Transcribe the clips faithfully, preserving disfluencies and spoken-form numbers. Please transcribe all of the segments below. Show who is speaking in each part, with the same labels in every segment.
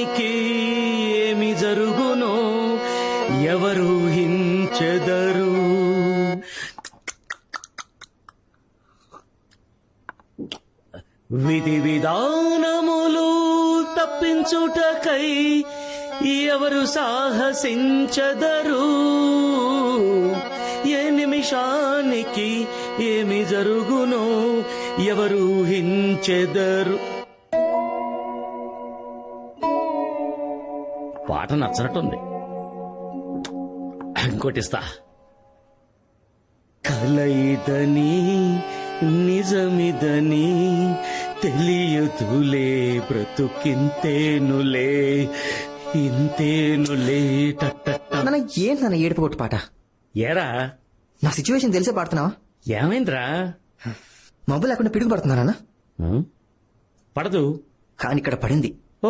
Speaker 1: నిమిషానికి ఏమి జరుగునో ఎవరు హించెదరు. విధి విధానములు తప్పించుటకై ఎవరు సాహసించదరు. ఏ నిమిషానికి ఏమి జరుగునో ఎవరు ఊహించెదరు. పాట నచ్చనట్టుంది, ఇంకోటిస్తా. కలయిదని నిజమిదని తెలియదులే బ్రతుకింతేనులే ఇంతేనులే.
Speaker 2: నాన్న ఏంటి నాన్న ఏడుపు కొట్టు పాట?
Speaker 1: ఏరా
Speaker 2: నా సిచ్యువేషన్ తెలిసే పాడుతున్నావా?
Speaker 1: ఏమైందిరా?
Speaker 2: మబ్బు లేకుండా పిడుగు పడుతున్నానా?
Speaker 1: పడదు,
Speaker 2: కానీ ఇక్కడ పడింది.
Speaker 1: ఓ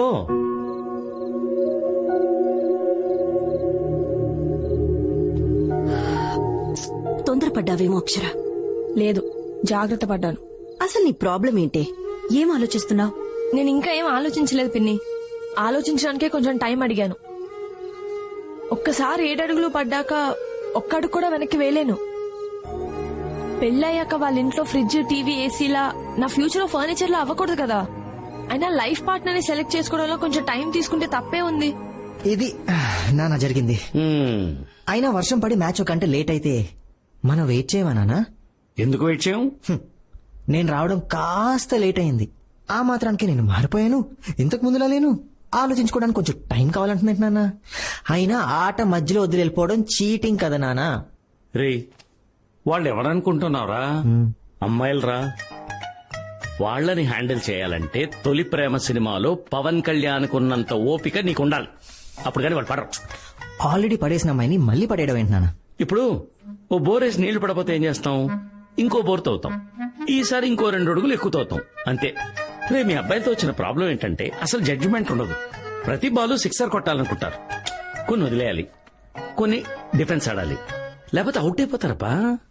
Speaker 3: తొందరపడ్డావేమో అక్షర.
Speaker 4: లేదు, జాగ్రత్త పడ్డాను.
Speaker 3: అసలు నీ ప్రాబ్లం ఏంటి? ఏం ఆలోచిస్తున్నావు?
Speaker 4: నేను ఇంకా ఏం ఆలోచించలేదు పిన్ని. ఆలోచించడానికే కొంచెం టైం అడిగాను. ఒక్కసారి ఏడడుగులు పడ్డాక ఒక్కడుగు కూడా వెనక్కి వేయలేను. పెళ్ళయ్యాక వాళ్ళ ఇంట్లో ఫ్రిడ్జ్, టీవీ, ఏసీలా నా ఫ్యూచర్ ఫర్నిచర్ లా అవ్వకూడదు కదా. అయినా లైఫ్ పార్ట్నర్ ని సెలెక్ట్ చేసుకోవడంలో కొంచెం టైం తీసుకుంటే తప్పే ఉంది.
Speaker 2: ఇది నాన్న జరిగింది. అయినా వర్షం పడి మ్యాచ్ ఒక గంట లేట్ అయితే మనం వెయిట్ చేయమా నాన్న?
Speaker 1: ఎందుకు వెయిట్ చేయం?
Speaker 2: నేను రావడం కాస్త లేట్ అయింది. ఆ మాత్రానికి నేను మారిపోయాను. ఇంతకు ముందులా లేను. ఆలోచించుకోవడానికి కొంచెం టైం కావాలంటున్నాను నాన్న. అయినా ఆట మధ్యలో వదిలి వెళ్ళిపోవడం చీటింగ్ కదా నాన్న.
Speaker 1: రే, వాళ్ళు ఎవరనుకుంటున్నావురా? అమ్మాయిలరా. వాళ్లని హ్యాండిల్ చేయాలంటే తొలి ప్రేమ సినిమాలో పవన్ కళ్యాణ్ కున్నంత ఓపిక నీకుండాలి. అప్పుడు కానీ వాళ్ళు పడరు.
Speaker 2: ఆల్రెడీ పడేసిన అమ్మాయిని మళ్ళీ పడేయడం ఏంటి నాన్న?
Speaker 1: ఇప్పుడు ఓ బోరేసి నీళ్లు పడపోతే ఏం చేస్తాం? ఇంకో బోర్ తవ్వుతాం. ఈసారి ఇంకో రెండు అడుగులు ఎక్కువ తవ్వుతాం, అంతే. రే, మీ అబ్బాయితో వచ్చిన ప్రాబ్లం ఏంటంటే అసలు జడ్జిమెంట్ ఉండదు. ప్రతి బాలు సిక్సర్ కొట్టాలనుకుంటారు. కొన్ని వదిలేయాలి, కొన్ని డిఫెన్స్ ఆడాలి, లేకపోతే అవుట్ అయిపోతారబ్బా.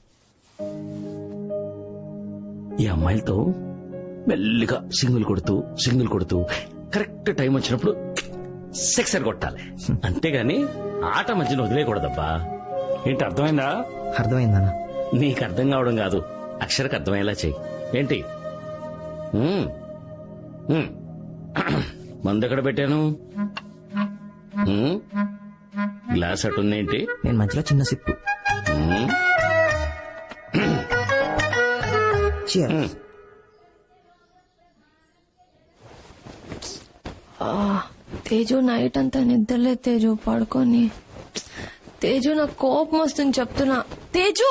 Speaker 1: ఈ అమ్మాయిలతో మెల్లిగా సింగిల్ కొడుతూ సింగిల్ కొడుతూ కరెక్ట్ టైం వచ్చినప్పుడు సిక్సర్ కొట్టాలి, అంతేగాని ఆట మధ్యలో వదిలేయకూడదబ్బా. ఏంటి, అర్థమైందా?
Speaker 2: అర్థమైందా?
Speaker 1: నీకు అర్థం కావడం కాదు, అక్షరకు అర్థమయ్యేలా చెయ్యి. ఏంటి? మందు ఎక్కడ పెట్టాను? గ్లాస్ అటుందేంటి?
Speaker 2: నేను మధ్యలో చిన్న సిప్పు.
Speaker 4: తేజు నైట్ అంతా నిద్రలే తేజు, పడుకొని. తేజు నాకు కోపం వస్తుంది చెప్తున్నా. తేజు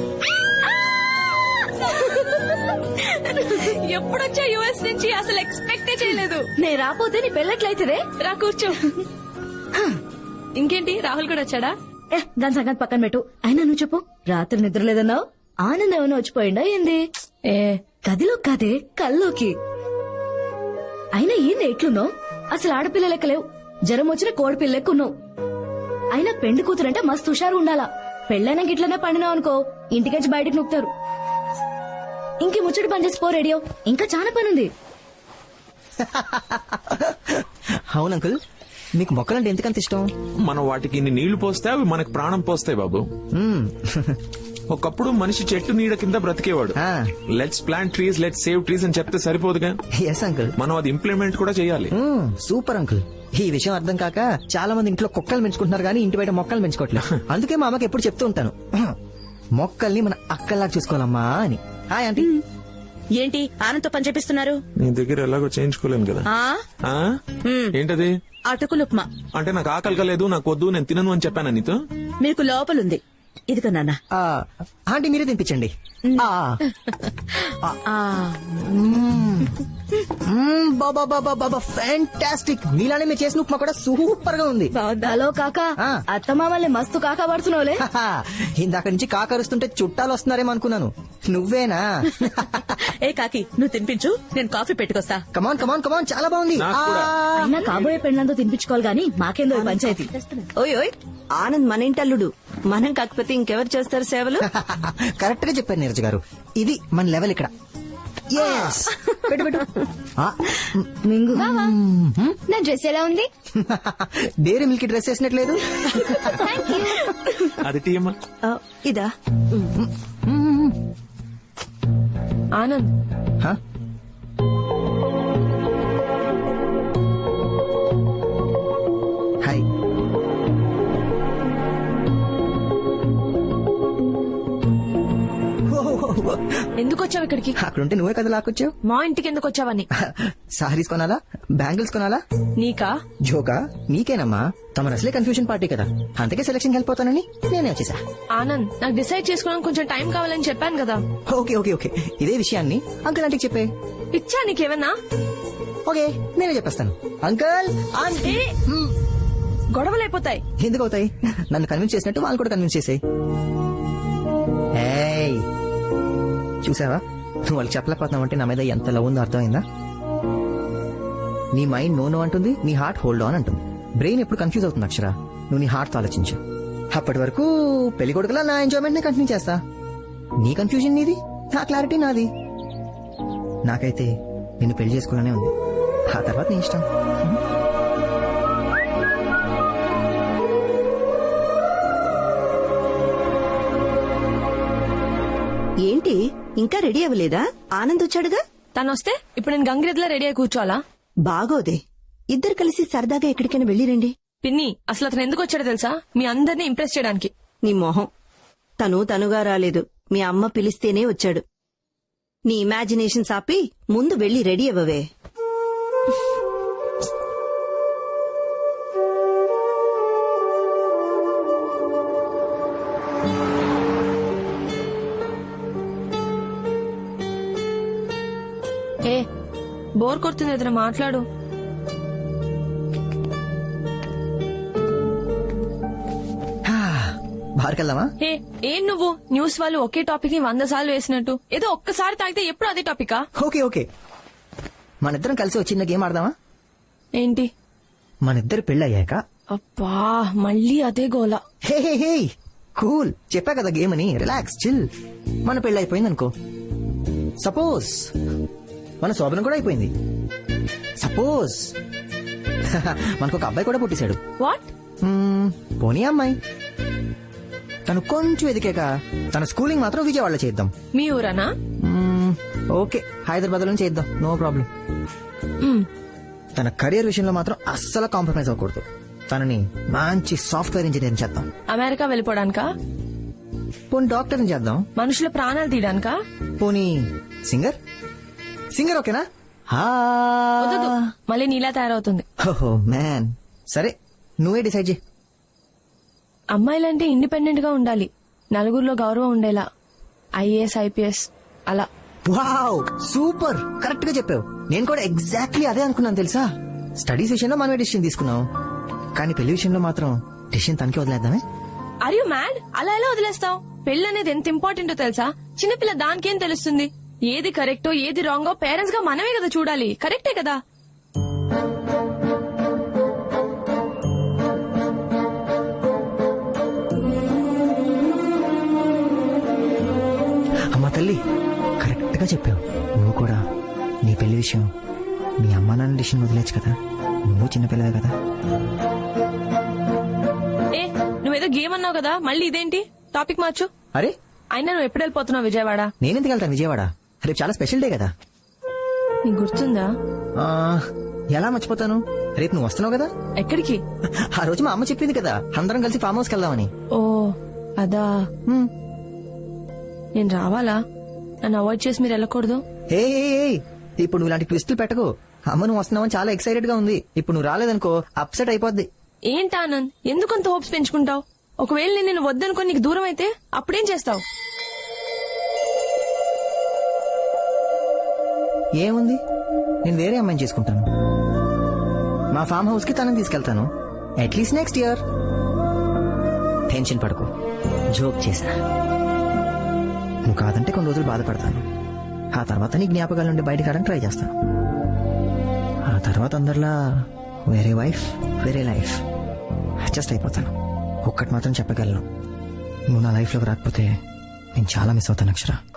Speaker 4: ఎప్పుడొచ్చా యుఎస్ నుంచి? అసలు ఎక్స్పెక్టే చేయలేదు.
Speaker 3: నేను రాపోతే నీ పెళ్ళట్లయితే
Speaker 4: రా కూర్చో. ఇంకేంటి, రాహుల్ కూడా వచ్చాడా?
Speaker 3: ఏ దాని సంగతి పక్కన పెట్టు. అయినా నువ్వు చెప్పు, రాత్రి నిద్ర లేదన్నావు. ఆనందం ఏమైనా వచ్చిపోయిందా ఏంది?
Speaker 4: ఏ
Speaker 3: గదిలో కాదే, కల్లోకి. అయినా ఏంది ఎట్లున్నావు? అసలు ఆడపిల్ల లెక్క లేవు. జ్వరం వచ్చిన కోడిపిల్ల లెక్క ఉన్నావు. అయినా పెండి కూతురంటే మస్తు హుషారు ఉండాలా. పెళ్ళైనా గిట్లనే పండినావు అనుకో, ఇంటికెచ్చి బయటకు నొక్కుతారు. ఇంకే ముచ్చటి పని చేసి పో రేడియో, ఇంకా చాలా పనుంది.
Speaker 2: అవును అంకుల్, మీకు మొక్కలంటే ఎందుకంత ఇష్టం?
Speaker 5: మనం వాటికి ఇన్ని నీళ్లు పోస్తే అవి మనకు ప్రాణం పోస్తాయి బాబు. ఒకప్పుడు మనిషి చెట్టు నీడ కింద బ్రతికేవాడు. Let's plant trees, let's save trees అని చెప్తే సరిపోదుగా.
Speaker 2: ఎస్ అంకుల్,
Speaker 5: మనం అది ఇంప్లిమెంట్ కూడా చేయాలి.
Speaker 2: Super uncle. ఈ విషయం అర్థం కాక చాలా మంది ఇంట్లో కుక్కలు పెంచుకుంటున్నారు కానీ ఇంటి బయట మొక్కలు పెంచుకోవట్లేదు. అందుకే మా అమ్మకి ఎప్పుడు చెప్తూ ఉంటాను, మొక్కల్ని మన అక్కల్లాగా చూసుకోవాలమ్మా అని. Hi aunty.
Speaker 6: ఏంటి ఆనంతో పని చేపిస్తున్నారు?
Speaker 5: నీ దగ్గర ఎలాగో చేయించుకోలేను కదా. ఏంటది?
Speaker 6: అటుకులు ఉప్మా.
Speaker 5: అంటే నాకు ఆకలి కలేదు, నాకు వద్దు, నేను తినను అని చెప్పాను నీతో.
Speaker 6: మీకు లోపలుంది, ఇదిగో నాన్న.
Speaker 2: ఆంటీ మీరే తినిపించండి. ఫ్యాంటాస్టిక్. మీలానే మీరు చేసిన ఉప్మా కూడా సూపర్ గా ఉంది.
Speaker 3: హలో కాకా, అత్తమామల్ని మస్తు కాకా పడుతున్నావులే.
Speaker 2: ఇందాక నుంచి కాకరుస్తుంటే చుట్టాలు వస్తున్నారేమో అనుకున్నాను. నువ్వేనా?
Speaker 6: ఏ కాకి, నువ్వు తినిపించు, నేను కాఫీ పెట్టుకొస్తా.
Speaker 2: కమాన్ కమాన్ కమాన్, చాలా బాగుంది.
Speaker 3: అయినా కాబోయే పెళ్ళంతో తినిపించుకోవాలి గానీ మాకేందో ఈ పంచాయతీ.
Speaker 6: ఓయ్ ఓయ్, ఆనంద్ మన ఇంటల్లుడు, మనం కాకపోతే ఇంకెవరు చేస్తారు సేవలు?
Speaker 2: కరెక్ట్ గా చెప్పారు నీరజ్ గారు. ఇది మన లెవెల్ ఇక్కడ. పెట్టు పెట్టు ఆ,
Speaker 3: మింగు
Speaker 7: నా డ్రెస్ ఎలా ఉంది?
Speaker 2: డైరీ మిల్క్ డ్రెస్ వేసినట్లేదు.
Speaker 5: అది టీ అమ్మా.
Speaker 6: ఆ, ఇదా
Speaker 4: ఆనంద్
Speaker 2: హ? హాయ్.
Speaker 4: ఎందుకు వచ్చావు ఇక్కడికి?
Speaker 2: అక్కడుంటే నువ్వే కదా లాక్కొచ్చావు.
Speaker 4: మా ఇంటికి ఎందుకు వచ్చావని?
Speaker 2: సారీస్ కొనాలా, బ్యాంగిల్స్ కొనాలా?
Speaker 4: నీకా?
Speaker 2: జోకా? నీకేనమ్మా. తమ అసలే కన్ఫ్యూజన్ పార్టీ కదా, అందుకే సెలక్షన్ వెళ్ళిపోతానని నేనే వచ్చేసా.
Speaker 4: ఆనంద్ నాకు డిసైడ్ చేసుకోవడానికి కొంచెం టైం కావాలని చెప్పాను కదా.
Speaker 2: ఓకే ఓకే ఓకే ఇదే విషయాన్ని అంకుల్ ఆంటీకి చెప్పే.
Speaker 4: ఇచ్చా నీకేమన్నా?
Speaker 2: ఓకే నేనే చెప్పేస్తాను. Uncle aunty.
Speaker 4: ఏ, గొడవలు అయిపోతాయి.
Speaker 2: ఎందుకు అవుతాయి? నన్ను కన్విన్స్ చేసినట్టు వాళ్ళు కూడా కన్విన్స్ చేసాయి. ఏయ్ చూసావా, నువ్వు వాళ్ళకి చెప్పలేకపోతున్నావు అంటే నా మీద ఎంత లవ్ ఉందో అర్థమైందా? నీ మైండ్ నో నో అంటుంది, నీ హార్ట్ హోల్డ్ ఆన్ అంటుంది. బ్రెయిన్ ఎప్పుడు కన్ఫ్యూజ్ అవుతుంది అక్షర. నువ్వు నీ హార్ట్ తో ఆలోచించు. అప్పటి వరకు పెళ్లి కొడుకులా నా ఎంజాయ్మెంట్ నే కంటిన్యూ చేస్తా. నీ కన్ఫ్యూజన్ నీది, నా క్లారిటీ నాది. నాకైతే నిన్ను పెళ్లి చేసుకోవాలనే ఉంది. ఆ తర్వాత నీ ఇష్టం.
Speaker 6: ఏంటి ఇంకా రెడీ అవ్వలేదా? ఆనంద్ వచ్చాడుగా.
Speaker 4: తను వస్తే ఇప్పుడు నేను గంగిరెద్దులా రెడీ అయి కూర్చోవాలా?
Speaker 6: బాగోదే, ఇద్దరు కలిసి సరదాగా ఎక్కడికైనా వెళ్ళిరండి.
Speaker 4: పిన్ని అసలు అతను ఎందుకు వచ్చాడో తెలుసా? మీ అందరినీ ఇంప్రెస్ చేయడానికి.
Speaker 6: నీ మొహం. తను తనుగా రాలేదు, మీ అమ్మ పిలిస్తేనే వచ్చాడు. నీ ఇమాజినేషన్ ఆపి ముందు వెళ్లి రెడీ అవ్వవే.
Speaker 4: ఏ బోర్ కొడుతుంది, ఏదైనా మాట్లాడు.
Speaker 2: బార్కెళ్దామా?
Speaker 4: ఏ ఏం నువ్వు న్యూస్ వాళ్ళు ఒకే టాపిక్ ని వంద సార్లు వేసినట్టు ఏదో ఒక్కసారి తాగితే ఎప్పుడు అదే టాపికా?
Speaker 2: ఓకే ఓకే మనిద్దరం కలిసి ఒక చిన్న గేమ్ ఆడదామా?
Speaker 4: ఏంటి?
Speaker 2: మనిద్దరు పెళ్ళయ్యాక.
Speaker 4: అబ్బా మళ్ళీ అదే గోల.
Speaker 2: హే హే హే కూల్, చెప్పా కదా గేమ్ అని. Relax chill. మన పెళ్ళి అయిపోయింది అనుకో. సపోజ్ మన శోభనం కూడా అయిపోయింది. సపోజ్ మనకు ఒక అబ్బాయి కూడా పుట్టేశాడు.
Speaker 4: వాట్?
Speaker 2: మ్మ్, పోనీ అమ్మాయి. తను కొంచెం ఎదికాక తన స్కూలింగ్ మాత్రం విజయవాడలో చేద్దాం.
Speaker 4: మీ ఊరనా?
Speaker 2: మ్మ్, ఓకే హైదరాబాద్ లో చేద్దాం, నో ప్రాబ్లం.
Speaker 4: మ్,
Speaker 2: తన కెరీర్ విషయంలో మాత్రం అస్సలు కాంప్రమైజ్ అవ్వకూడదు. తనని మంచి సాఫ్ట్వేర్ ఇంజనీర్ చేద్దాం.
Speaker 4: అమెరికా వెళ్ళిపోవడానికా?
Speaker 2: పోనీ డాక్టర్ చేద్దాం.
Speaker 4: మనుషుల ప్రాణాలు తీయడానికా?
Speaker 2: పోనీ సింగర్. సింగర్ ఓకేనా?
Speaker 4: వద్దు, మళ్ళీ నీలా తయారవుతుంది.
Speaker 2: ఓహో మ్యాన్, సరే నువ్వే డిసైడ్ చేయి.
Speaker 4: అమ్మాయిలంటే ఇండిపెండెంట్ గా ఉండాలి, నలుగురిలో గౌరవం ఉండేలా. ఐఏఎస్ ఐపీఎస్ అలా.
Speaker 2: వావ్ సూపర్, కరెక్ట్ గా చెప్పావు. నేను కూడా ఎగ్జాక్ట్లీ అదే అనుకున్నాను తెలుసా. స్టడీస్ విషయంలో మనమే డిసిషన్ తీసుకున్నాం, కానీ పెళ్లి విషయంలో మాత్రం డిసిషన్ తనకే వదిలేద్దామే.
Speaker 4: Are you mad? అలా ఎలా వదిలేస్తావు? పెళ్లి అనేది ఎంత ఇంపార్టెంటో తెలుసా? చిన్నపిల్ల దానికేం తెలుస్తుంది? ఏది కరెక్టో ఏది రాంగో పేరెంట్స్ గా మనమే కదా చూడాలి. కరెక్టే కదా?
Speaker 2: అమ్మా తల్లి, కరెక్ట్ గా చెప్పావు. నువ్వు కూడా నీ పెళ్లి విషయం మీ అమ్మా నాన్న డిసిషన్ వదిలేచ్చు కదా. నువ్వు చిన్నపిల్లవే కదా.
Speaker 4: ఏ నువ్వేదో గేమ్ అన్నావు కదా, మళ్ళీ ఇదేంటి? టాపిక్ మార్చు.
Speaker 2: అరే
Speaker 4: అయినా నువ్వు ఎప్పుడు వెళ్ళిపోతున్నావు విజయవాడ?
Speaker 2: నేనెందుకు వెళ్తాను విజయవాడ? రేపు చాలా స్పెషల్ డే కదా.
Speaker 4: నీకు గుర్తుందా?
Speaker 2: ఆ, ఎలా మర్చిపోతాను? రేపు నువ్వు వస్తున్నావు కదా.
Speaker 4: ఎక్కడికి?
Speaker 2: ఆ రోజు మా అమ్మ చెప్పింది కదా, అందరం కలిసి ఫామ్ హౌస్ కి వెళ్దామని.
Speaker 4: ఓ అదా.
Speaker 2: హ్మ్.
Speaker 4: నేను రావాలా? నన్ను అవాయిడ్ చేసి మీరు వెళ్ళకూడదు.
Speaker 2: ఏ ఏ, ఏ, ఇప్పుడు నువ్వు ఇలాంటి ట్విస్టులు పెట్టకు. అమ్మ నువ్వు వస్తున్నావని చాలా ఎక్సైటెడ్ గా ఉంది. ఇప్పుడు నువ్వు రాలేదనుకో అప్సెట్ అయిపోద్ది.
Speaker 4: ఏంటి ఆనంద్, ఎందుకంత హోప్స్ పెంచుకుంటావు? ఒకవేళ నేను నిన్ను వద్దనుకో నీకు దూరం అయితే అప్పుడేం చేస్తావు?
Speaker 2: ఏముంది, నేను వేరే అమ్మాయిని చేసుకుంటాను. మా ఫామ్ హౌస్ కి తనని తీసుకెళ్తాను. At least next year. టెన్షన్ పడకు, జోక్ చేశా. నువ్వు కాదంటే కొన్ని రోజులు బాధపడతాను. ఆ తర్వాత నీ జ్ఞాపకాల నుండి బయటకు రావడానికి ట్రై చేస్తాను. ఆ తర్వాత అందరిలా వేరే వైఫ్ వేరే లైఫ్ అడ్జస్ట్ అయిపోతాను. ఒక్కటి మాత్రం చెప్పగలను, నువ్వు నా లైఫ్ లోకి రాకపోతే నేను చాలా మిస్ అవుతాను అక్షర.